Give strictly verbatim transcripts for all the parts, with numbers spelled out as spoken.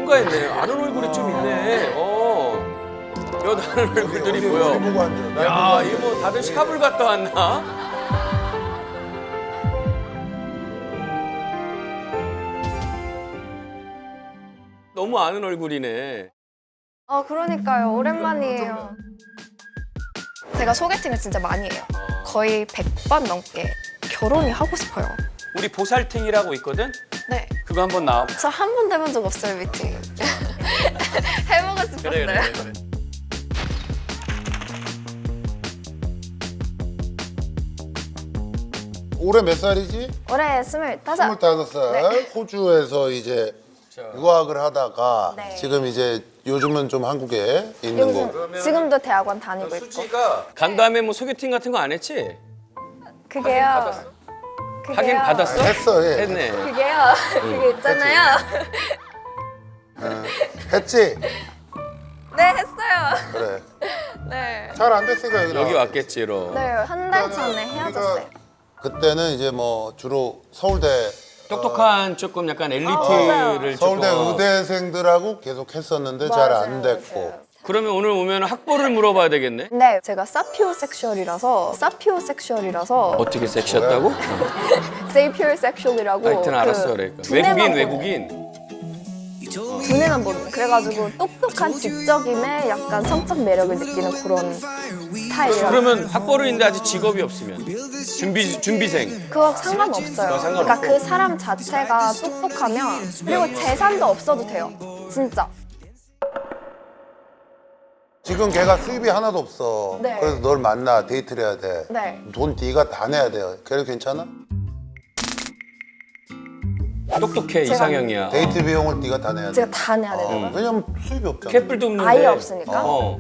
통과했네. 아는 얼굴이 좀 있네. 어. 여 다른 얼굴들이 어디 보여. 보고 앉아. 날 야, 보고 이거 뭐 다들 시카불 갔다 왔나? 너무 아는 얼굴이네. 아 그러니까요. 오랜만이에요. 제가 소개팅을 진짜 많이 해요. 거의 백 번 넘게 결혼이 하고 싶어요. 우리 보살팅이라고 있거든? 네. 그거 한번 나와. 저 한 번도 해본 적 없어요, 미팅. 해보고 싶었어요. 그래, 그래, 그래. 올해 몇 살이지? 올해 스물다섯. 스물다섯 살. 네. 호주에서 이제 유학을 하다가 네. 지금 이제 요즘은 좀 한국에 있는 거. 요즘 지금도 대학원 다니고 있고. 수지가 간 다음에 뭐 소개팅 같은 거 안 했지? 그게요. 받았어? 그게요. 하긴 받았어? 했어, 예. 했네. 그게요. 그게 있잖아요. 어, 했지? 네, 했어요. 그래. 네. 잘 안 됐으니까 여기 여기 나와. 왔겠지, 로. 네, 한 달 전에 헤어졌어요. 그때는 이제 뭐 주로 서울대 똑똑한 조금 약간 엘리트를 맞아요. 서울대 조금. 의대생들하고 계속 했었는데 잘 안 맞아요, 됐고. 맞아요. 그러면 오늘 오면 학벌을 물어봐야 되겠네? 네, 제가 사피오섹슈얼이라서 사피오섹슈얼이라서 어떻게 섹시했다고? 세이피오섹슈얼이라고 하여튼 그 알았어, 그러니까. 두뇌만 외국인, 보는, 외국인. 두뇌만 보는 그래가지고 똑똑한 지적임에 약간 성적 매력을 느끼는 그런 스타일이라 그러면 학벌은 있는데 아직 직업이 없으면 준비 준비생. 그거 상관없어요. 어, 상관없고. 그러니까 그 사람 자체가 똑똑하면 그리고 재산도 없어도 돼요. 진짜. 지금 걔가 수입이 하나도 없어. 네. 그래서 널 만나 데이트를 해야 돼. 네. 돈 네가 다 내야 돼요. 걔는 괜찮아? 똑똑해 제가- 이상형이야. 데이트 비용을 네가 다 내야 돼. 제가 다 내야 되는 어, 왜냐면 수입이 없잖아. 캣불도 없는데. 아예 없으니까? 어.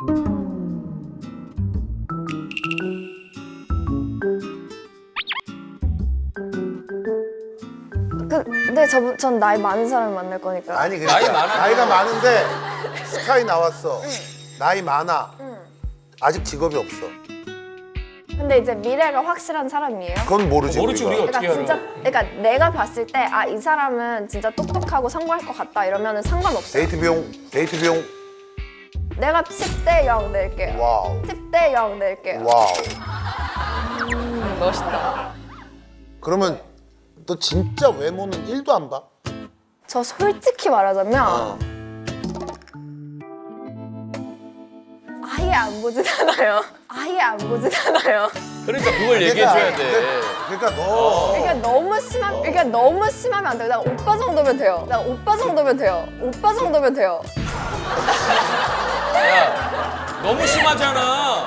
그, 근데 저, 전 나이 많은 사람을 만날 거니까. 아니 그러니까 나이 많아. 나이가 많은데 스카이 나왔어. 나이 많아. 아직 직업이 없어. 근데 이제 미래가 확실한 사람이에요. 그건 모르지. 모르지, 우리가. 어떻게 그러니까 알아? 진짜 그러니까 내가 봤을 때 아 이 사람은 진짜 똑똑하고 성공할 것 같다 이러면은 상관없어요. 데이트 비용 데이트 비용 내가 십 대 영 낼게요. 와우. 십 대 영 낼게요. 와우. 멋있다. 그러면 너 진짜 외모는 일도 안 봐? 저 솔직히 말하자면 어. 아예 안 보진 않아요. 아예 안 보진 않아요. 그러니까 그걸 얘기해줘야 돼. 그러니까 너 그러니까 너무 심한 그러니까 너무 심하면 안 돼요. 나 오빠 정도면 돼요. 나 오빠 정도면 돼요. 오빠 정도면 돼요. 야, 너무 심하잖아.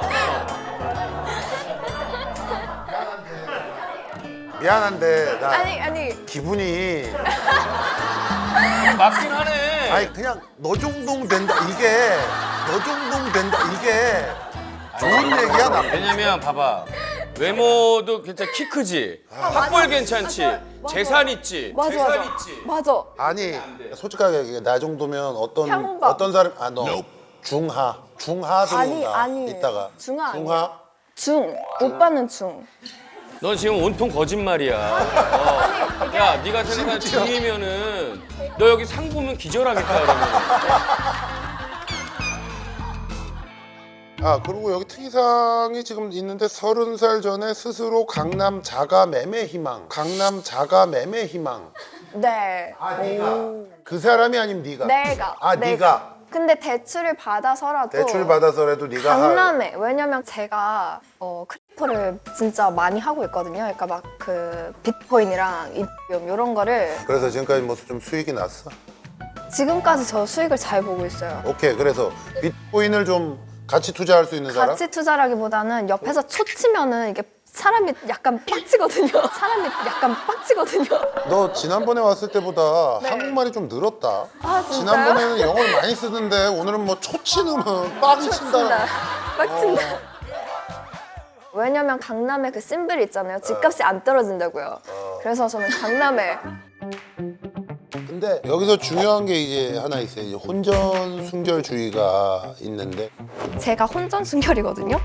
미안한데 나 아니 아니 기분이 맞긴 하네. 아니 그냥 너 정도면 된다 이게 너 정도면 된다 이게 좋은 얘기야 나. 왜냐면 봐봐. 외모도 괜찮, 키 크지, 학벌 괜찮지, 맞아, 맞아. 재산 있지, 맞아 재산 맞아. 있지. 맞아. 아니 솔직하게 얘기해. 나 정도면 어떤 평범. 어떤 사람 아 너 중하 중하 아니 들어온다. 아니. 이따가 중하 아니야. 중하 중. 오빠는 중. 너 지금 온통 거짓말이야. 어. 야, 네가 생각한 중이면은 너 여기 상 보면 기절하겠다 그러면. 아 그리고 여기 특이사항이 지금 있는데 서른 살 전에 스스로 강남 자가 매매 희망 강남 자가 매매 희망 네. 아 네가 그 사람이 아니면 네가 내가. 아 내가. 네가 근데 대출을 받아서라도 대출 받아서라도 네가 할 강남에 왜냐면 제가 어, 크리프를 진짜 많이 하고 있거든요. 그러니까 막 그 비트코인이랑 이디움 이런 거를 그래서 지금까지 뭐 좀 수익이 났어? 지금까지 저 수익을 잘 보고 있어요. 오케이 그래서 비트코인을 좀 같이 투자할 수 있는 사람? 같이 투자라기보다는 옆에서 초치면은 이게 사람이 약간 빡치거든요. 사람이 약간 빡치거든요. 너 지난번에 왔을 때보다 네. 한국말이 좀 늘었다. 아, 진짜요? 지난번에는 영어를 많이 쓰던데 오늘은 뭐 초치 넣으면 빡이 친다. 친다. 빡친다. 왜냐면 강남에 그 심블이 있잖아요. 집값이 안 떨어진다고요. 그래서 저는 강남에 근데 여기서 중요한 게 이제 하나 있어요. 이제 혼전 순결주의가 있는데 제가 혼전 순결이거든요.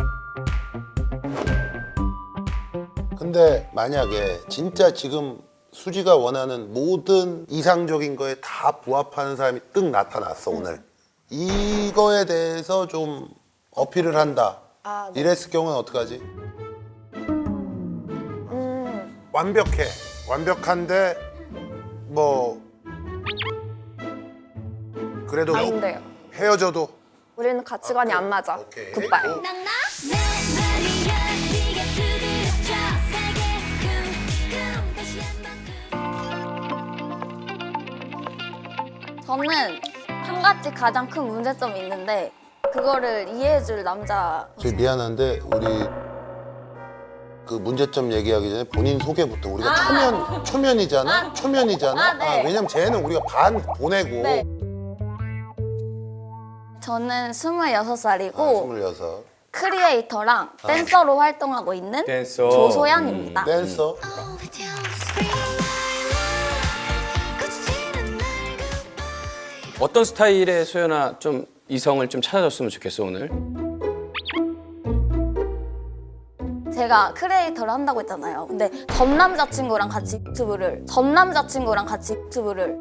근데 만약에 진짜 지금 수지가 원하는 모든 이상적인 거에 다 부합하는 사람이 뜩 나타났어 오늘. 이거에 대해서 좀 어필을 한다. 아, 네. 이랬을 경우는 어떡하지? 음, 완벽해. 완벽한데 뭐 그래도 안 돼요. 헤어져도 우리는 가치관이 안 맞아. 오케이. 굿바이. 오. 저는 한 가지 가장 큰 문제점이 있는데 그거를 이해해줄 남자. 저 미안한데 우리 그 문제점 얘기하기 전에 본인 소개부터. 우리가 초면 초면이잖아. 초면이잖아. 아, 네. 왜냐면 쟤는 우리가 반 보내고 네. 저는 스물여섯 살이고 아, 스물여섯 크리에이터랑 댄서로 활동하고 있는 댄서. 조소연입니다. 댄서. 어떤 스타일의 소연아 좀 이성을 좀 찾아줬으면 좋겠어 오늘. 제가 크리에이터를 한다고 했잖아요. 근데 전 남자친구랑 같이 유튜브를 전 남자친구랑 같이 유튜브를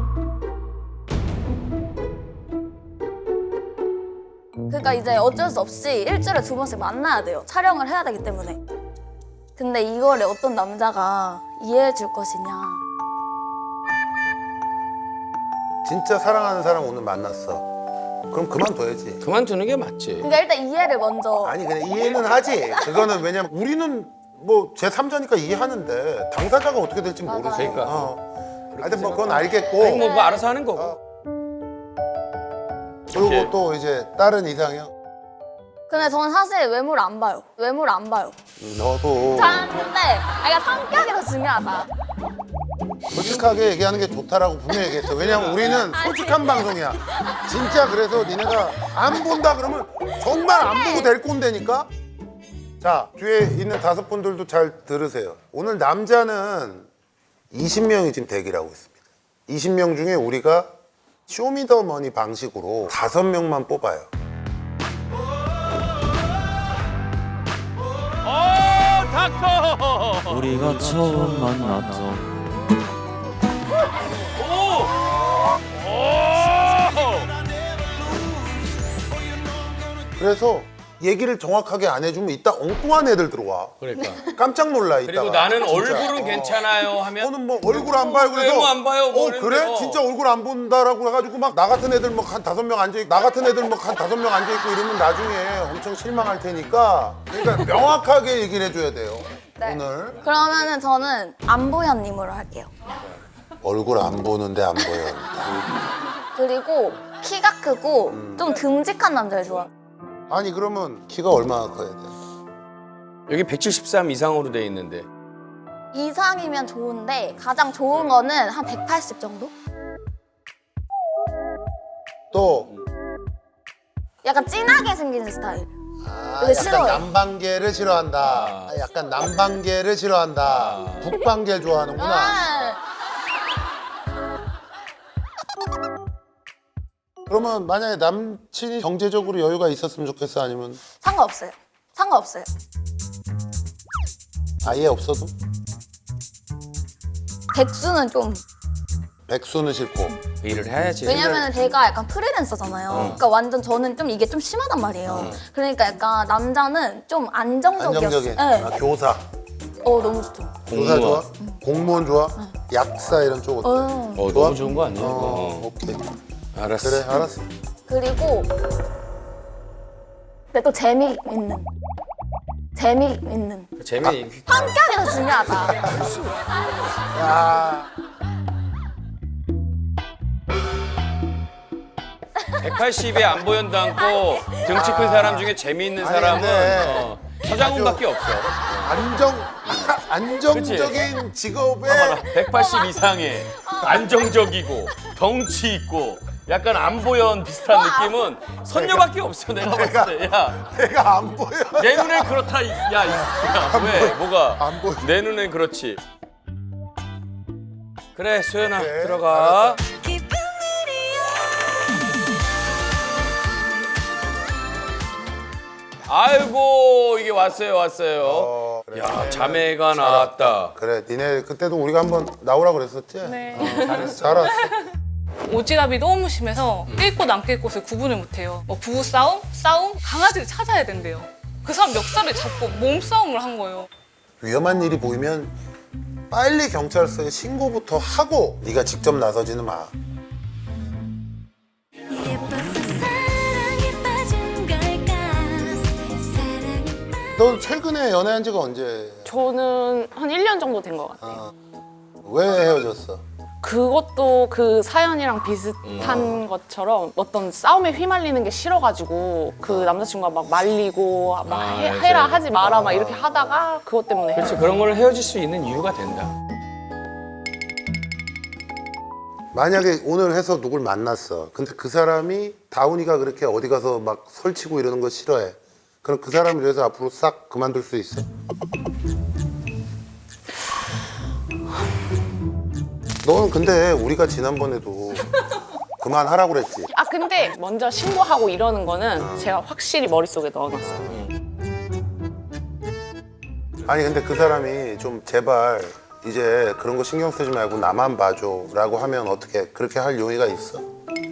그러니까 이제 어쩔 수 없이 일주일에 두 번씩 만나야 돼요. 촬영을 해야 되기 때문에. 근데 이거를 어떤 남자가 이해해 줄 것이냐. 진짜 사랑하는 사람 오늘 만났어. 그럼 그만둬야지. 그만두는 게 맞지. 그러니까 일단 이해를 먼저. 아니 그냥 이해는 하지. 그거는 왜냐면 우리는 뭐 제삼자니까 이해하는데 당사자가 어떻게 될지 맞아요. 모르지. 그러니까. 어. 하여튼 뭐 그건 알겠고. 아니 뭐, 뭐 알아서 하는 거고. 어. 그리고 오케이. 또 이제 다른 이상형. 근데 저는 사실 외모를 안 봐요. 외모를 안 봐요. 너도 다 근데 아, 그러니까 성격이 더 중요하다. 솔직하게 얘기하는 게 좋다라고 분명히 얘기했어. 왜냐면 우리는 솔직한 방송이야. 진짜 그래서 니네가 안 본다 그러면 정말 안 보고 될 꼰대니까. 자, 뒤에 있는 다섯 분들도 잘 들으세요. 오늘 남자는 이십 명이 지금 대기를 하고 있습니다. 이십 명 중에 우리가 쇼미더머니 방식으로 다섯 명만 뽑아요. 어 닥터. 우리가 처음 만났던 그래서 얘기를 정확하게 안 해주면 이따 엉뚱한 애들 들어와. 그러니까. 깜짝 놀라 이따가. 그리고 나는 진짜. 얼굴은 어. 괜찮아요 하면 너는 뭐 얼굴 안 봐요 그래서 외모 안 봐요, 뭐 어 이러는데, 그래? 어. 진짜 얼굴 안 본다라고 해가지고 막 나 같은 애들 뭐 한 다섯 명 앉아있고 나 같은 애들 뭐 한 다섯 명 앉아있고 이러면 나중에 엄청 실망할 테니까 그러니까 명확하게 얘기를 해줘야 돼요. 네. 오늘 그러면은 저는 안보현님으로 할게요. 얼굴 안 보는데 안 보여. 그리고 키가 크고 음. 좀 듬직한 남자를 좋아. 아니 그러면 키가 얼마나 커야 돼? 여기 백칠십삼 이상으로 돼 있는데. 이상이면 좋은데 가장 좋은 거는 한 백팔십 정도? 또 약간 진하게 생긴 스타일. 아, 근데 약간 싫어요. 남방계를 싫어한다. 아, 약간 남방계를 싫어한다. 아. 북방계를 좋아하는구나. 아, 그러면 만약에 남친이 경제적으로 여유가 있었으면 좋겠어? 아니면 상관없어요. 상관없어요. 아예 없어도? 백수는 좀 백수는 싫고. 일을 해야지. 왜냐면 제가 약간 프리랜서잖아요. 그러니까 완전 저는 좀 이게 좀 심하단 말이에요. 그러니까 약간 남자는 좀 안정적이었어요. 안정적인. 네. 아, 교사. 어 너무 좋죠. 교사 좋아? 공무원 좋아? 약사 이런 쪽 어때? 어. 어 좋아? 너무 좋은 거 아니야? 어, 어. 오케이. 알았어. 그래, 알았어. 그리고 근데 또 재미있는 재미있는 재미. 성격이 더 중요하다. 야, 백팔십에 안 보연도 않고 등치 큰 사람 중에 재미있는 아니, 사람은 근데 어, 서장훈밖에 없어. 안정, 안정적인 직업에 백팔십 이상에 안정적이고 덩치 있고 약간 안보연 비슷한 느낌은 선녀밖에 없어 내가 봤을 때. 야, 내가 안 보여. 내 눈엔 그렇다. 이- 야, 이- 야, 왜? 뭐가? 안 보여. 내 눈엔 그렇지. 그래, 소연아 그래, 들어가. 아이고 이게 왔어요, 왔어요. 어, 그래. 야, 자매가 나왔다. 그래, 니네 그때도 우리가 한번 나오라 그랬었지? 네. 어, 잘했어. 잘 왔어. 오지랖이 너무 심해서 낄 곳 안 낄 곳을 구분을 못해요. 뭐 부부 싸움, 싸움, 강아지를 찾아야 된대요. 그 사람 멱살을 잡고 몸싸움을 한 거예요. 위험한 일이 보이면 빨리 경찰서에 신고부터 하고 네가 직접 나서지는 마. 넌 최근에 연애한 지가 언제? 저는 한 일 년 정도 된 것 같아요. 어, 왜 헤어졌어? 그것도 그 사연이랑 비슷한 것처럼 어떤 싸움에 휘말리는 게 싫어가지고 그 남자친구가 막 말리고 막 아, 해, 맞아요. 해라 하지 마라 막 이렇게 하다가 그것 때문에 그렇지, 그런 걸 헤어질 수 있는 이유가 된다. 만약에 오늘 해서 누굴 만났어. 근데 그 사람이 다운이가 그렇게 어디 가서 막 설치고 이러는 거 싫어해. 그럼 그 사람을 위해서 앞으로 싹 그만둘 수 있어? 너는 근데 우리가 지난번에도 그만하라고 그랬지. 아 근데 먼저 신고하고 이러는 거는 제가 확실히 머릿속에 넣어놨어요. 아니 근데 그 사람이 좀 제발 이제 그런 거 신경 쓰지 말고 나만 봐줘 라고 하면 어떻게 그렇게 할 용의가 있어?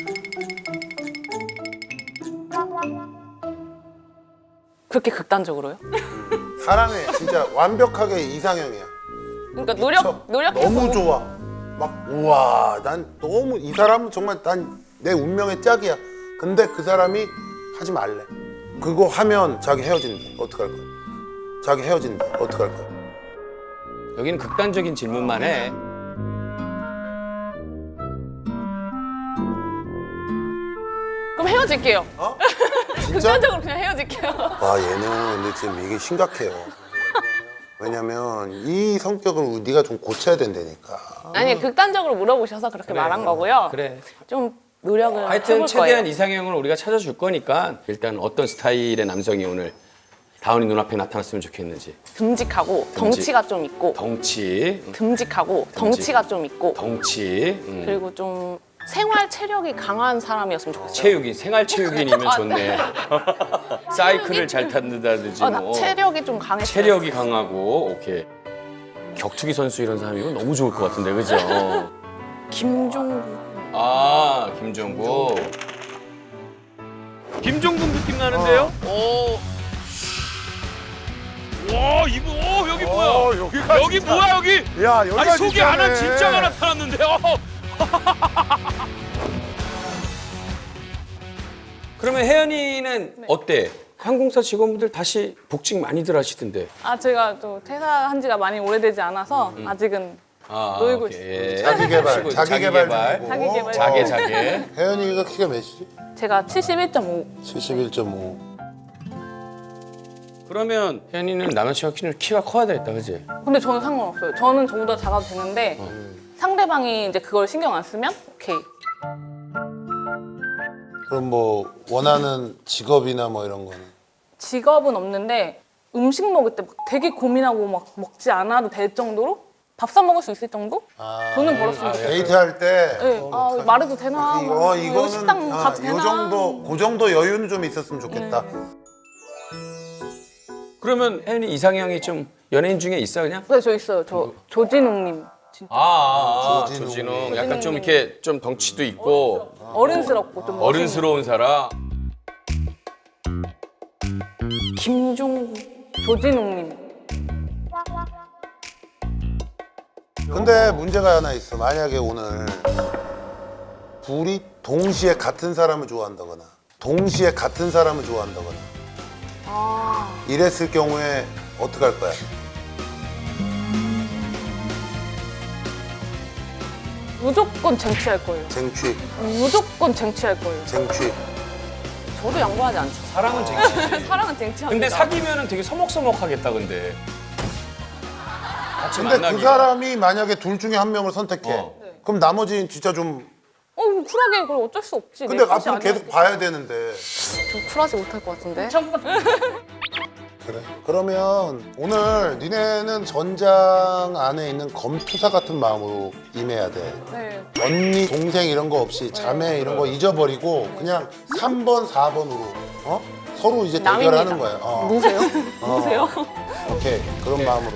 그렇게 극단적으로요? 사람이 진짜 완벽하게 이상형이야. 그러니까 노력 저 노력해 너무 좋아. 막 우와 난 너무 이 사람은 정말 난 내 운명의 짝이야. 근데 그 사람이 하지 말래. 그거 하면 자기 헤어진대. 어떡할 거야? 자기 헤어진대. 어떡할 거야? 여기는 극단적인 질문만 해. 그럼 헤어질게요. 어? 진짜? 극단적으로 그냥 헤어질게요. 와 얘는 근데 지금 이게 심각해요. 왜냐면 이 성격을 네가 좀 고쳐야 된다니까. 아니 극단적으로 물어보셔서 그렇게 말한 거고요. 그래. 좀 노력을 하여튼 해볼 최대한 거예요. 이상형을 우리가 찾아줄 거니까 일단 어떤 스타일의 남성이 오늘 다운이 눈앞에 나타났으면 좋겠는지. 듬직하고 듬직. 덩치가 좀 있고 덩치, 듬직하고 덩치가 좀 있고 덩치, 음. 그리고 좀 생활 체력이 강한 사람이었으면 좋겠어요. 체육인, 생활 체육인이면 좋네. 사이클을 잘 탄다든지 아, 나 뭐. 체력이 좀 강했어요. 체력이 강하고 오케이. 격투기 선수 이런 사람이면 너무 좋을 것 같은데 그죠? 김종국. 아 김종국. 김종국 느낌 나는데요? 오. 와 이거 오 여기 뭐야? 어, 여기가 여기 진짜- 뭐야 여기? 야 여기가 아니 소개 안 한 진짜네. 진짜가 나타났는데. 어. 그러면 혜연이는 어때? 항공사 직원분들 다시 복직 많이들 하시던데. 아 제가 또 퇴사한 지가 많이 오래되지 않아서 음. 아직은 아, 놀고 오케이. 자기 개발, 쉬고 자기 자기 개발 개발. 중이고. 자기 개발. 자개 자개. 혜연이가 키가 몇이지? 제가 칠십일 점 오. 칠십일 점 오. 그러면 혜연이는 남자친구가 키는 키가 커야 되겠다, 그지? 근데 저는 상관없어요. 저는 저보다 작아도 되는데 상대방이 이제 그걸 신경 안 쓰면 오케이. 그럼 뭐 원하는 직업이나 뭐 이런 거는? 직업은 없는데 음식 먹을 때 막 되게 고민하고 막 먹지 않아도 될 정도로 밥 사 먹을 수 있을 정도? 아, 돈은 벌었으면 좋겠어요. 데이트할 때. 네. 어, 아, 말해도 되나? 이거 뭐, 이거는 여기 식당 아, 가도 되나? 요 정도 그 정도 여유는 좀 있었으면 좋겠다. 그러면 혜연이 이상형이 좀 연예인 중에 있어 그냥? 네, 저 있어요. 저 조진웅님. 진짜 아, 아, 아 조진웅. 조진웅. 약간 좀 이렇게 좀 덩치도 있고 어른스럽고 좀 멋있는. 어른스러운 사람. 김종국. 조진웅님. 근데 문제가 하나 있어. 만약에 오늘 둘이 동시에 같은 사람을 좋아한다거나 동시에 같은 사람을 좋아한다거나 아. 이랬을 경우에 어떻게 할 거야? 무조건 쟁취할 거예요. 쟁취, 무조건 쟁취할 거예요. 쟁취. 저도 양보하지 않죠. 사랑은 쟁취지. 사랑은 쟁취합니다. 근데 사귀면은 되게 서먹서먹하겠다 근데. 같이 근데 그 만나기가. 사람이 만약에 둘 중에 한 명을 선택해. 어. 그럼 나머지는 진짜 좀. 어, 쿨하게 그럼 어쩔 수 없지. 근데 내 것이 앞으로 아니야. 계속 봐야 되는데. 저 쿨하지 못할 것 같은데. 그래. 그러면 오늘 니네는 전장 안에 있는 검투사 같은 마음으로 임해야 돼. 네. 언니, 동생 이런 거 없이 자매 이런 거 잊어버리고 그냥 삼 번, 사 번으로 어? 서로 이제 남입니다. 대결하는 거야. 어. 누구세요? 어. 누구세요? 오케이 그런 마음으로.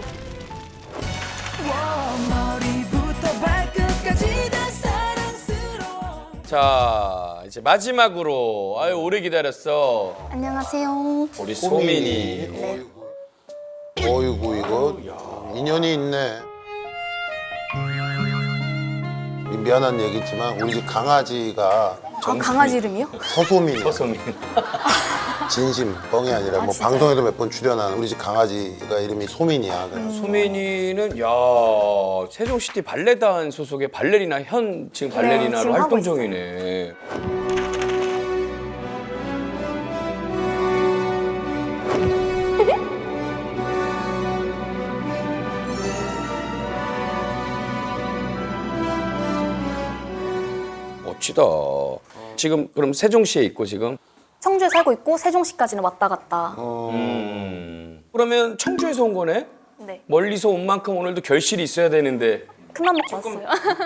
자 이제 마지막으로 아유 오래 기다렸어. 안녕하세요. 우리 소민이. 어이구, 어이구 이거 인연이 있네. 미안한 얘기지만 우리 집 강아지가 아, 강아지 이름이요? 서소민이야. 서소민. 진심 뻥이 아니라 뭐 방송에도 몇 번 출연한 우리 집 강아지가 이름이 소민이야. 그래서 소민이는 야 세종시티 발레단 소속의 발레리나 현 지금 발레리나로 지금 하고 활동 중이네. 멋지다. 지금 그럼 세종시에 있고 지금? 청주에 살고 있고 세종시까지는 왔다 갔다. 음. 그러면 청주에서 온 거네? 네. 멀리서 온 만큼 오늘도 결실이 있어야 되는데. 큰맘 먹고 왔어요.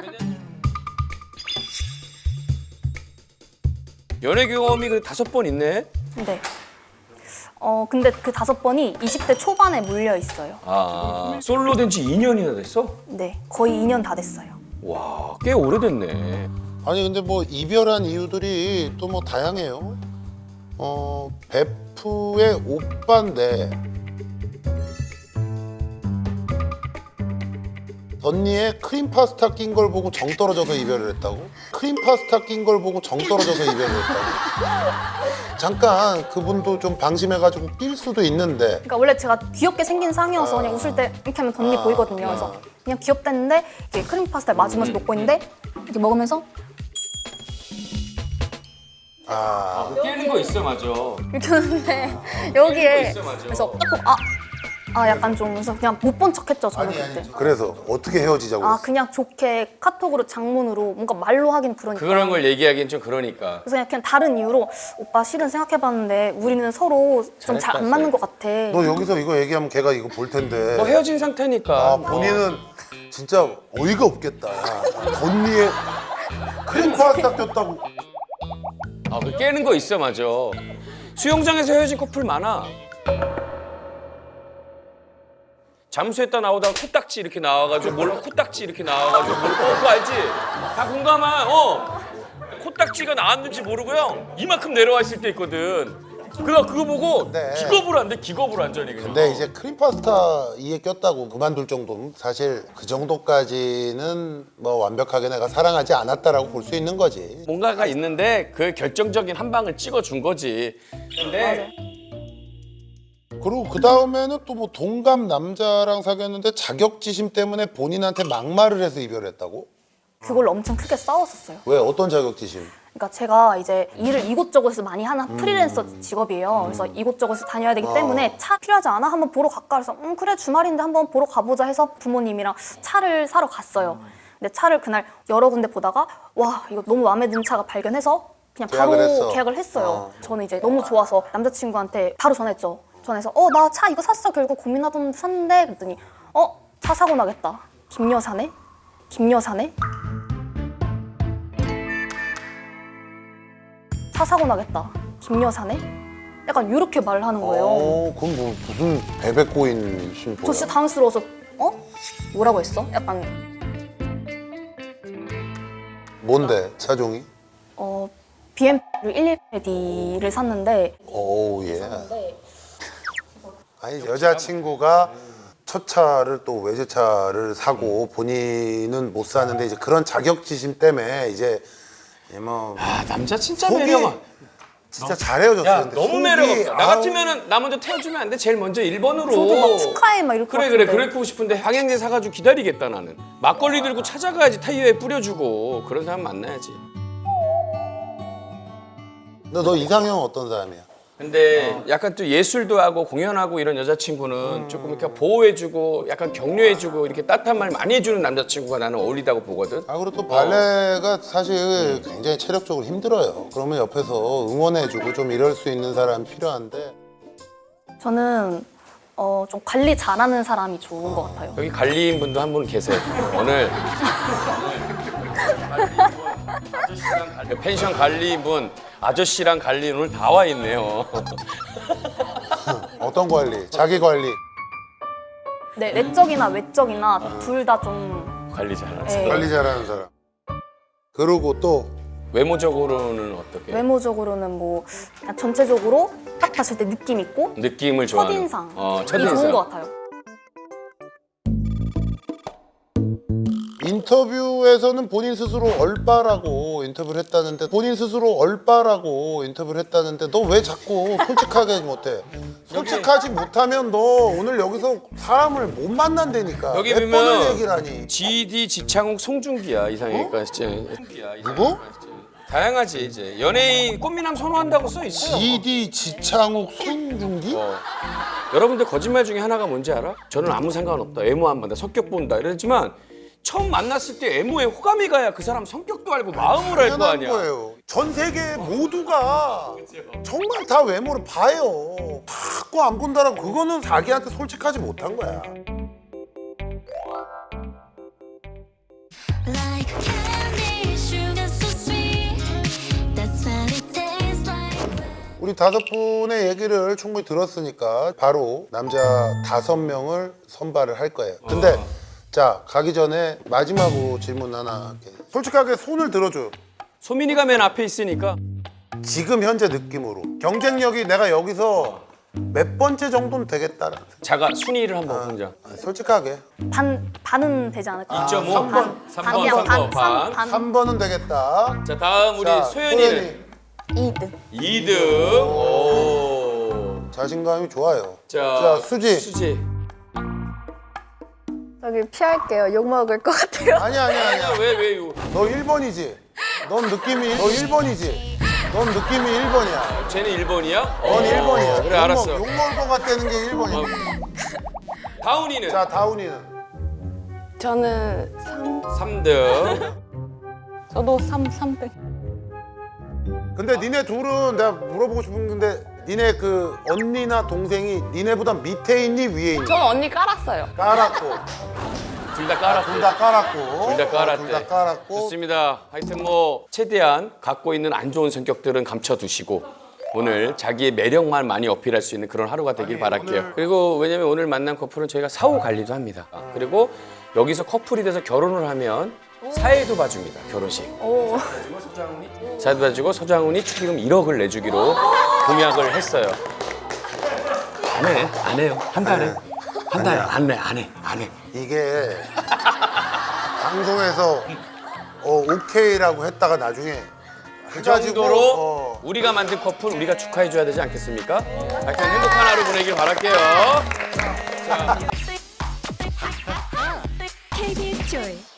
연애 경험이 그 다섯 번 있네? 네. 어 근데 그 다섯 번이 이십 대 초반에 물려 있어요. 아, 솔로 된 지 이 년이나 됐어? 네. 거의 이 년 다 됐어요. 와, 꽤 오래됐네. 아니 근데 뭐 이별한 이유들이 또 뭐 다양해요. 어 베프의 오빠인데 언니의 크림 파스타 낀 걸 보고 정 떨어져서 이별을 했다고? 크림 파스타 낀 걸 보고 정 떨어져서 이별을 했다고? 잠깐 그분도 좀 방심해가지고 삘 수도 있는데 그러니까 원래 제가 귀엽게 생긴 상이어서 그냥 웃을 때 이렇게 하면 덧니 아, 보이거든요. 그래서 그냥 귀엽다 했는데 이렇게 크림 파스타를 맞으면서 먹고 있는데 이렇게 먹으면서 아 깨는 거 있어, 맞아. 이렇게 하는데 여기에 있어, 맞아. 그래서 딱 아, 아 약간 좀 그래서 그냥 못 본 척했죠 저는 아니 그때. 아니 그래서 어떻게 헤어지자고 아 그랬어? 그냥 좋게 카톡으로 장문으로 뭔가 말로 하긴 그러니까. 그런 걸 얘기하기엔 좀 그러니까. 그래서 그냥, 그냥 다른 이유로 오빠 실은 생각해봤는데 우리는 서로 좀 잘 안 맞는 것 같아. 너 여기서 이거 얘기하면 걔가 이거 볼 텐데 뭐 헤어진 상태니까. 아 본인은 진짜 어이가 없겠다. 야. 언니의 크림 파스타 꼈다고. 아, 그 깨는 거 있어, 맞아. 수영장에서 헤어진 커플 많아. 잠수했다 나오다가 코딱지 이렇게 나와가지고 몰라 코딱지 이렇게 나와가지고 몰라 어, 그거 알지? 다 공감한 어 코딱지가 나왔는지 모르고요 이만큼 내려와 있을 때 있거든. 그래서 그거 보고 네. 기겁을 한대 기겁을 완전히 그냥. 근데 이제 크림 파스타 이에 꼈다고 그만둘 정도면 사실 그 정도까지는 뭐 완벽하게 내가 사랑하지 않았다라고 볼 수 있는 거지. 뭔가가 있는데 그 결정적인 한 방을 찍어준 거지. 근데 그리고 그 다음에는 또 뭐 동갑 남자랑 사귀었는데 자격지심 때문에 본인한테 막말을 해서 이별했다고? 그걸로 엄청 크게 싸웠었어요. 왜 어떤 자격지심? 그러니까 제가 이제 일을 이곳저곳에서 많이 하는 프리랜서 직업이에요. 그래서 이곳저곳에 다녀야 되기 때문에 차 필요하지 않아? 한번 보러 갈까? 그래서 음 그래 주말인데 한번 보러 가보자 해서 부모님이랑 차를 사러 갔어요. 근데 차를 그날 여러 군데 보다가 와 이거 너무 마음에 드는 차가 발견해서 그냥 바로 계약을 했어. 계약을 했어요. 어. 저는 이제 너무 좋아서 남자친구한테 바로 전화했죠. 전화해서 어 나 차 이거 샀어 결국 고민하던 샀는데 그랬더니 어 차 사고 나겠다. 김 여사네? 김 여사네? 차 사고 나겠다. 김 여사네? 약간 이렇게 말을 하는 거예요. 어, 그건 뭐 무슨 베베꼬인 신보야? 저 진짜 당황스러워서 어? 뭐라고 했어? 약간 뭔데 차종이? 어 비엠더블유 백십일 D를 샀는데 오우 예. 아니 여자친구가 첫 차를 또 외제차를 사고 본인은 못 사는데 이제 그런 자격지심 때문에 이제 뭐 아 남자 진짜 속이 매력 없. 진짜 잘 헤어졌어. 야 근데 너무 속이, 매력 없어. 나 아우, 같으면은 나 먼저 태워주면 안 돼? 제일 먼저 일 번으로. 저도 막 축하해 막 이럴 것 그래 같은데. 그래 그랬고 싶은데 방향제 사가지고 기다리겠다 나는. 막걸리 들고 찾아가야지 타이어에 뿌려주고 그런 사람 만나야지. 너, 너 이상형 어떤 사람이야? 근데 약간 또 예술도 하고 공연하고 이런 여자친구는 조금 이렇게 보호해주고 약간 격려해주고 이렇게 따뜻한 말 많이 해주는 남자친구가 나는 어울리다고 보거든. 아 그리고 또 발레가 사실 굉장히 체력적으로 힘들어요. 그러면 옆에서 응원해주고 좀 이럴 수 있는 사람이 필요한데 저는 어, 좀 관리 잘하는 사람이 좋은 것 같아요. 여기 관리인 분도 한 분 계세요. 오늘 펜션 관리분, 아저씨랑 관리 오늘 다 와 있네요. 어떤 관리? 자기 관리. 네, 내적이나 외적이나 둘 다 좀 관리 잘하는 예, 사람. 관리 잘하는 사람. 그리고 또 외모적으로는 어떻게? 외모적으로는 뭐 그냥 전체적으로 딱 봤을 때 느낌 있고 느낌을 좋아하는. 첫인상 어, 이 첫인상. 좋은 것 같아요. 인터뷰에서는 본인 스스로 얼빠라고 인터뷰를 했다는데 본인 스스로 얼빠라고 인터뷰를 했다는데 너 왜 자꾸 솔직하게 못해? 솔직하지 못하면 너 오늘 여기서 사람을 못 만난다니까. 여기 몇 번을 보면 얘기를 하니? 지디, 직창욱, 송중기야 이상하니까 진짜. 누구? 다양하지 이제 연예인 꽃미남 선호한다고 써 있어요. 지디, 지창욱, 손중기? 어. 여러분들 거짓말 중에 하나가 뭔지 알아? 저는 아무 상관없다. 외모 안 본다. 성격 본다. 이러지만 처음 만났을 때 외모에 호감이 가야 그 사람 성격도 알고 마음을 알 거 당연한 아니야. 거예요. 전 세계 모두가 정말 다 외모를 봐요. 자꾸 안 본다라고 그거는 자기한테 솔직하지 못한 거야. Like candy, sugar so sweet. That's what it tastes like. 우리 다섯 분의 얘기를 충분히 들었으니까 바로 남자 다섯 명을 선발을 할 거예요. 근데 자 가기 전에 마지막으로 질문 하나 할게. 솔직하게 손을 들어줘요. 소민이가 맨 앞에 있으니까 지금 현재 느낌으로 경쟁력이 내가 여기서 몇 번째 정도는 되겠다라는 생각. 자가 순위를 한번 보자. 아, 솔직하게 반 반은 되지 않을까? 이 점 오, 삼 번. 삼 반, 번, 그냥 삼 번, 반, 반. 반. 삼 번은 되겠다. 자 다음 우리 자, 소연이는 이 등. 이 등. 오. 자신감이 좋아요. 자, 자, 수지. 수지. 저기 피할게요. 욕 먹을 것 같아요. 아니야 아니야 아니야. 왜 왜 이거? 너 일 번이지? 넌 느낌이 너 일 번이지? 넌 느낌이 일 번이야. 쟤는 일 번이야? 넌 일 번이야. 그래 알았어. 욕 먹을 것 같다는 게 일 번이야. 다운이는 자 다운이는 저는 삼, 삼 등. 저도 삼, 삼 등. 근데 니네 둘은 내가 물어보고 싶은 건데 니네 그 언니나 동생이 니네보다 밑에 있니 위에 있니? 저는 언니 깔았어요. 깔았고 둘 다 깔았대. 둘 다 깔았고 둘 다 깔았대. 둘 다 깔았고 좋습니다. 하여튼 뭐 최대한 갖고 있는 안 좋은 성격들은 감춰두시고 오늘 자기의 매력만 많이 어필할 수 있는 그런 하루가 되길 바랄게요. 오늘- 그리고 왜냐면 오늘 만난 커플은 저희가 사후 관리도 합니다. 그리고 여기서 커플이 돼서 결혼을 하면 사회도 봐줍니다. 결혼식. 오. 사회도 봐주고 서장훈이 축의금 일억을 내주기로 공약을 했어요. 안 해. 안 해요. 한 달에. 한 달에. 안 해. 안 해. 안 해. 이게 방송에서 어, 오케이라고 했다가 나중에 그 해가지고, 정도로 어, 우리가 만든 커플 우리가 축하해줘야 되지 않겠습니까? 하여튼 행복한 하루 보내길 바랄게요. 케이비에스 Joy.